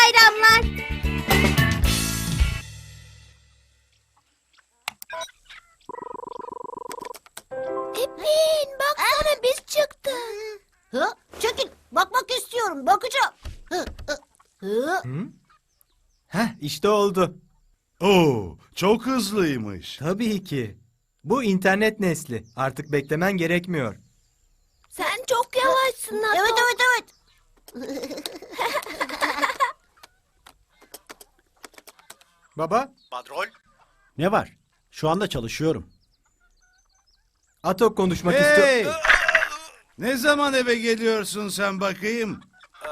bayramlar. Epin baksana biz çıktık. Hı? Çekil, bakmak istiyorum, bakacağım. Heh, işte oldu. Oo, çok hızlıymış. Tabii ki. Bu internet nesli. Artık beklemen gerekmiyor. Sen çok yavaşsın Ato. Evet, evet, evet. Baba, Badrol, ne var? Şu anda çalışıyorum. Atok konuşmak istiyor. Hey! Ne zaman eve geliyorsun sen bakayım? eee,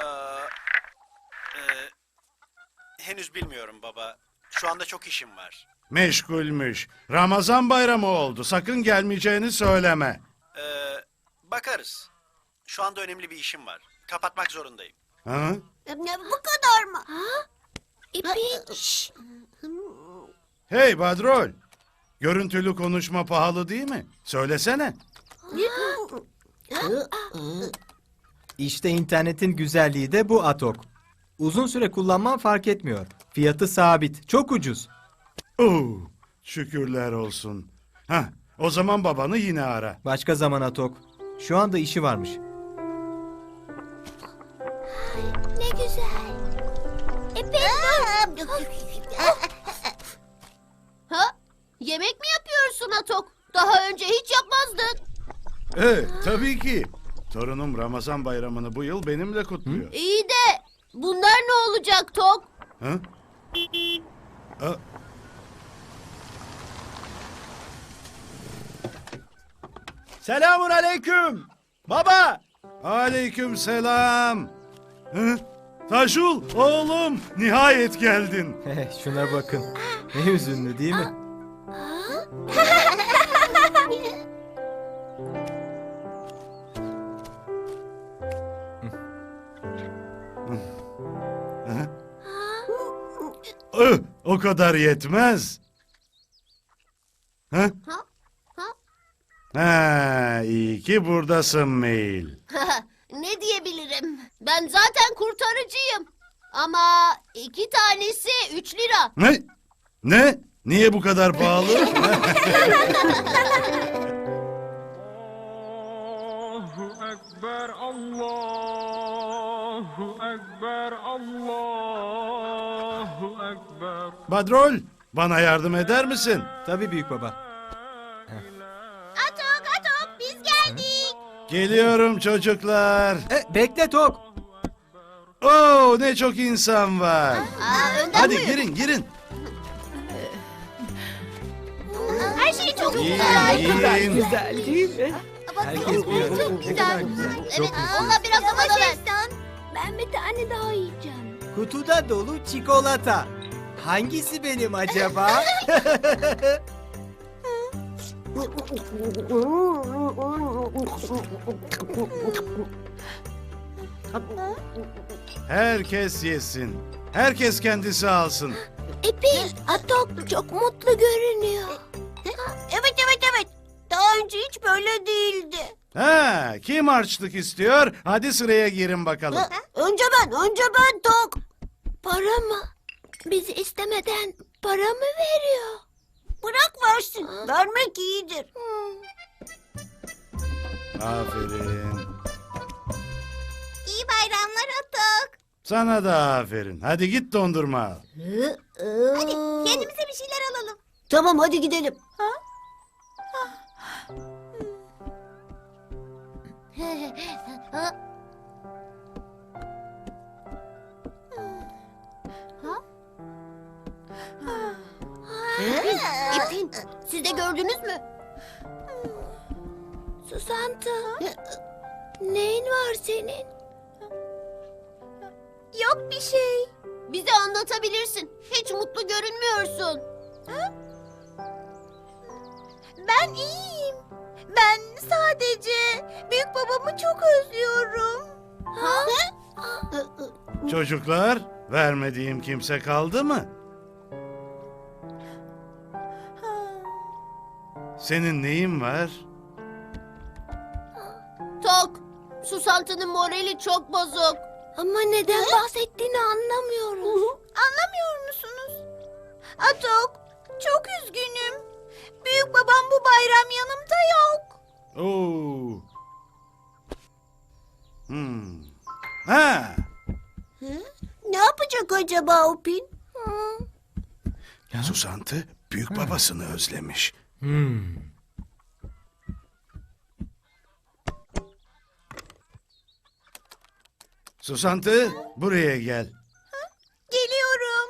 henüz bilmiyorum baba. Şu anda çok işim var. Meşgulmüş. Ramazan bayramı oldu. Sakın gelmeyeceğini söyleme. Bakarız. Şu anda önemli bir işim var. Kapatmak zorundayım. Ha? Bu kadar mı? İpin. Şşş. Hey Badrol. Görüntülü konuşma pahalı değil mi? Söylesene. İşte internetin güzelliği de bu Atok. Uzun süre kullanman fark etmiyor. Fiyatı sabit. Çok ucuz. Oo, şükürler olsun. Hah, o zaman babanı yine ara. Başka zaman Atok. Şu anda işi varmış. Ne güzel. Epin dur. Ha? Yemek mi yapıyorsun Atok? Daha önce hiç yapmazdın. Evet, tabii ki. Torunum Ramazan bayramını bu yıl benimle kutluyor. İyi de bunlar ne olacak Tok? Ha? Aa, Selamun aleyküm. Baba. aleyküm selam. Hı? Taşul, oğlum, nihayet geldin. Şuna bakın. Ne hüzünlü değil mi? O kadar yetmez. Ha? Ha, iyi ki buradasın Mail. Ne diyebilirim? Ben zaten kurtarıcıyım. Ama 2 tanesi 3 lira. Ne? Ne? Niye bu kadar pahalı? Allahu Ekber, Allahu Ekber, Allahu Ekber. Badrol, bana yardım eder misin? Tabii büyük baba. Atok Atok biz geldik. Geliyorum çocuklar. Bekle Tok. Oo, ne çok insan var. Önden Hadi buyur. girin, girin. Her şey çok Yiyin, güzel. yiyin. Güzel değil mi? Herkes bir arada. Çok Ne güzel. kadar güzel. Evet, Çok güzel. ona biraz da bana ver. Ben bir tane daha yiyeceğim. Kutuda dolu çikolata. Hangisi benim acaba? Herkes yesin. Herkes kendisi alsın. Epin, Atok çok mutlu görünüyor. Evet, evet, evet. Daha önce hiç böyle değildi. Ha, kim harçlık istiyor? Hadi sıraya girin bakalım. Önce ben Tok. Para mı? Bizi istemeden para mı veriyor? Bırak versin. Vermek iyidir. Aferin. İyi bayramlar Atok. Sana da aferin. Hadi git dondurma al. Hadi kendimize bir şeyler alalım. Tamam, hadi gidelim. İpin, siz de gördünüz mü? Susantı. Neyin var senin? Yok bir şey. Bize anlatabilirsin. Hiç mutlu görünmüyorsun. Ben iyiyim. Ben sadece büyük babamı çok özlüyorum. Ha? Çocuklar, vermediğim kimse kaldı mı? Senin neyin var? Tok, Susantı'nın morali çok bozuk. Ama neden bahsettiğini anlamıyoruz. Anlamıyor musunuz? Atok, çok üzgünüm. Büyük babam bu bayram yanımda yok. Oo. Ha, Ne yapacak acaba Upin? Susantı büyük babasını özlemiş. Susantı, buraya gel. Geliyorum.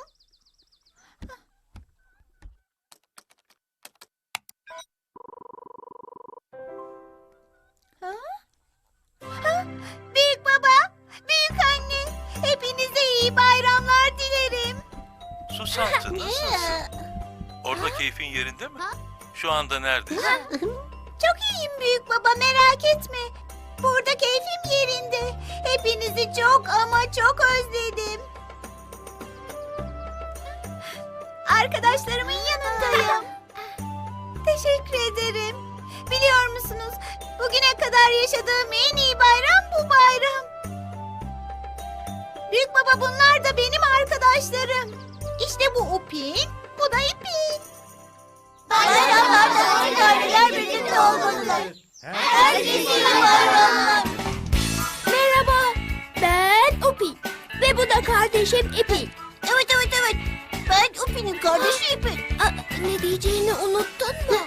Ha? Ha? Büyük baba, büyük anne, hepinize iyi bayramlar dilerim. Susantı nasılsın? Orada keyfin yerinde mi? Şu anda neredesin? Çok iyiyim büyük baba, merak etme. Burada keyfim yerinde. Hepinizi çok ama çok özledim. Arkadaşlarımın yanındayım. Teşekkür ederim. Biliyor musunuz, bugüne kadar yaşadığım en iyi bayram bu bayram. Büyük baba, bunlar da benim arkadaşlarım. İşte bu Upin, bu da İpin. Bayramlarda aileler birlikte olmalılar. Herkese iyi bayramlar. Merhaba, ben Upi ve bu da kardeşim İpi. Evet. Ben Upin'in kardeşi İpin. Ne diyeceğini unuttun mu?